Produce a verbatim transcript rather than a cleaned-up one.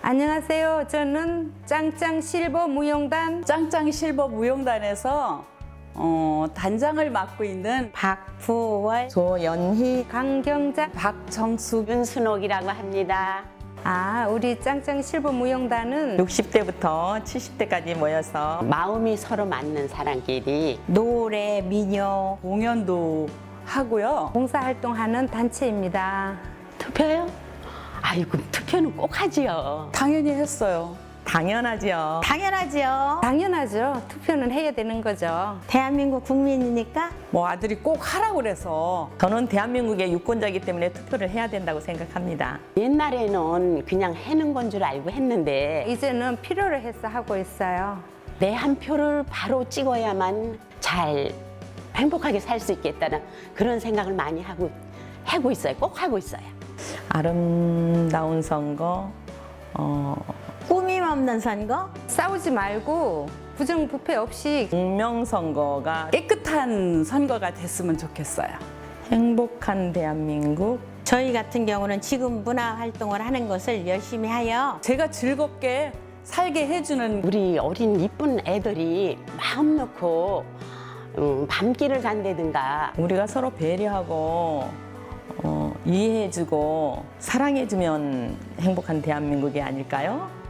안녕하세요. 저는 짱짱 실버 무용단 짱짱 실버 무용단에서 어, 단장을 맡고 있는 박부월, 조연희, 강경자. 박정숙 윤순옥이라고 합니다. 아, 우리 짱짱 실버 무용단은 육십 대부터 칠십 대까지 모여서 마음이 서로 맞는 사람끼리 노래, 민요, 공연도 하고요. 봉사활동하는 단체입니다. 투표요? 아이고 투표는 꼭 하지요. 당연히 했어요. 당연하지요. 당연하지요. 당연하죠. 투표는 해야 되는 거죠. 대한민국 국민이니까 뭐 아들이 꼭 하라고 그래서 저는 대한민국의 유권자이기 때문에 투표를 해야 된다고 생각합니다. 옛날에는 그냥 해는 건 줄 알고 했는데 이제는 필요로 해서 하고 있어요. 내 한 표를 바로 찍어야만 잘 행복하게 살 수 있겠다는 그런 생각을 많이 하고 하고 있어요. 꼭 하고 있어요. 아름다운 선거, 어, 꾸밈 없는 선거? 싸우지 말고 부정부패 없이 공명선거가 깨끗한 선거가 됐으면 좋겠어요. 행복한 대한민국, 저희 같은 경우는 지금 문화 활동을 하는 것을 열심히 하여 제가 즐겁게 살게 해주는 우리 어린 이쁜 애들이 마음 놓고 음, 밤길을 간다든가 우리가 서로 배려하고 어, 이해해주고 사랑해주면 행복한 대한민국이 아닐까요?